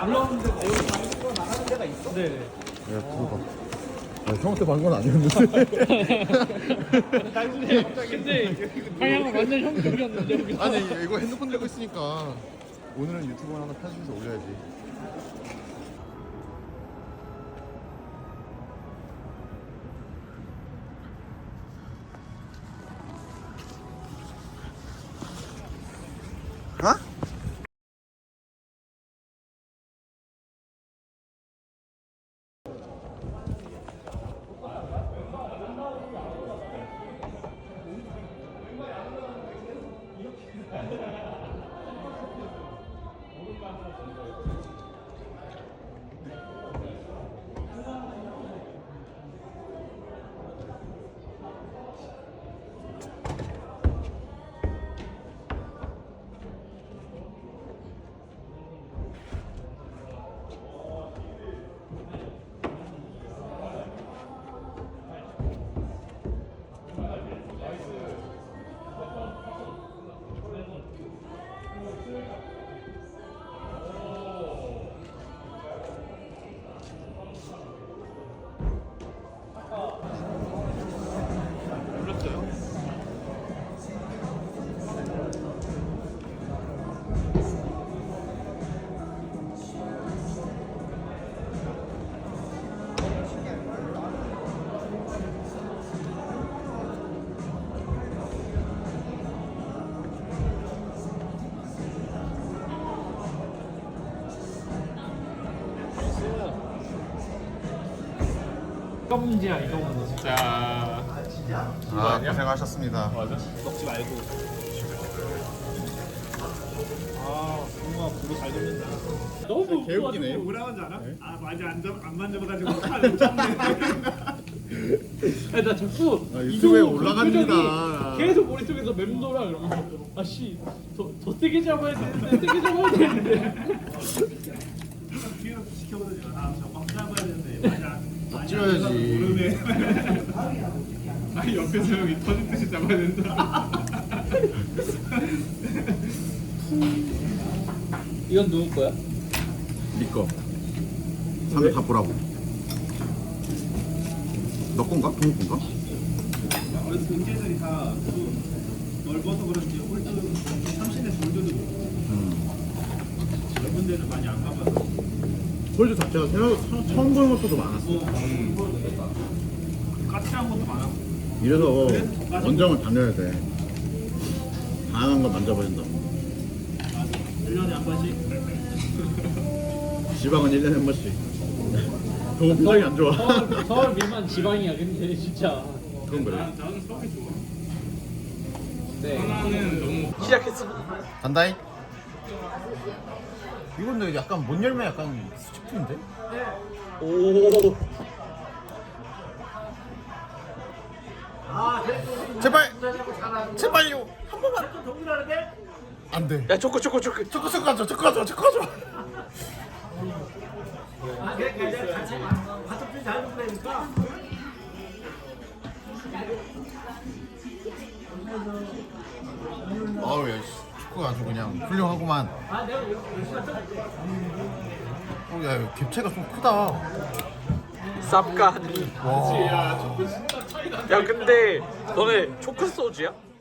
올라오는 데가 여기 방송으로 나가는 데가 있어? 네. 야 들어봐. 형한테 반 건 아니었는데. 근데 방향은 완전 형 쪽이었는데 여기. 아니 이거 핸드폰 들고 있으니까 오늘은 유튜브 하나 편집해서 올려야지. 어? 이거 문제야 이거 문제. 자, 아 고생하셨습니다. 맞아. 먹지 말고. 아, 뭔가 불이 잘 됐는다. 너무 개웃기네. 뭐라고 하지 않아? 아, 맞아. 안 만져봐가지고 칼못 잡네. 아니 나 자꾸 아, 유튜브에 이거 올라갑니다. 표정이 계속 머릿속에서 맴돌아 이러면서 아씨 더 세게 잡아야 되는데 세게 잡아야 되는데. 뒤에서 지켜보더니 저막 잡아야 되는데 맞아. 찍어야지. 모르네. 아니 옆에서 여기 터진 듯이 잡아야 된다. 이건 누구 거야? 네 거. 사람들 다 보라고. 너 건가? 동욱 건가? 그래서 경제들이 다 넓어서 그런지 홀드 30대 돌려도 넓은 데는 많이 안 가봐서 홀드 자체가 처음 보는 것도 많았어. 까칠한 것도 많았고 이래서 원정을 다녀야 돼. 다양한 걸 만져봐야 된다고. 1년에 한 번씩 지방은 1년에 한 번씩. 동욱 표정이 안 좋아. 서울 밀만 지방이야 근데 진짜. 그건 그래. 나는 서울이 좋아. 네. 하나는 너무 시작했어. 간다잉. 이건 근데 약간 못 열면 약간 수치품인데? 오. 제발! 제발요! 한 번만! 안 돼. 야 초코. 초코 가져, 초코 가져, 초코 가져! 아우 야 축구가 아주 그냥 훌륭하구만. 야 이거 갭체가 좀 크다. 쌉가니. 와. 야 근데 너네 초크 소주야?